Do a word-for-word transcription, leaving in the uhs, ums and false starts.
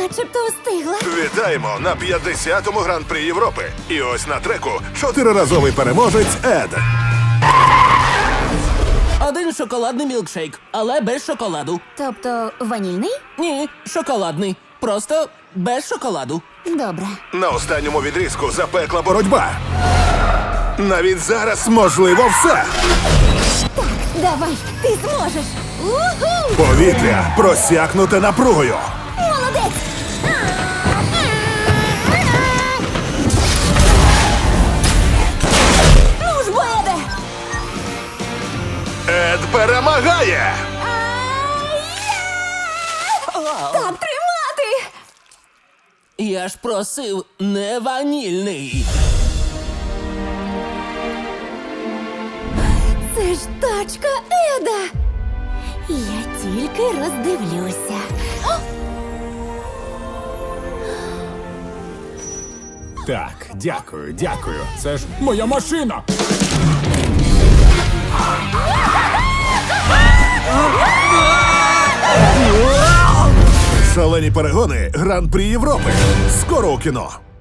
Начебто встигла. Вітаємо на п'ятдесятому гран-прі Європи. І ось на треку чотириразовий переможець Ед. Один шоколадний мілкшейк, але без шоколаду. Тобто ванільний? Ні, шоколадний. Просто без шоколаду. Добре. На останньому відрізку запекла боротьба. Навіть зараз можливо все. Давай, ти зможеш. Уху! Повітря просякнуте напругою. Молодець! Ну ж, Боеде! Ед перемагає! Так тримати! Я ж просив не ванільний. Це ж тачка Еда! Я тільки роздивлюся. Так, дякую, дякую. Це ж моя машина. Шалені перегони Гран-прі Європи. Скоро у кіно.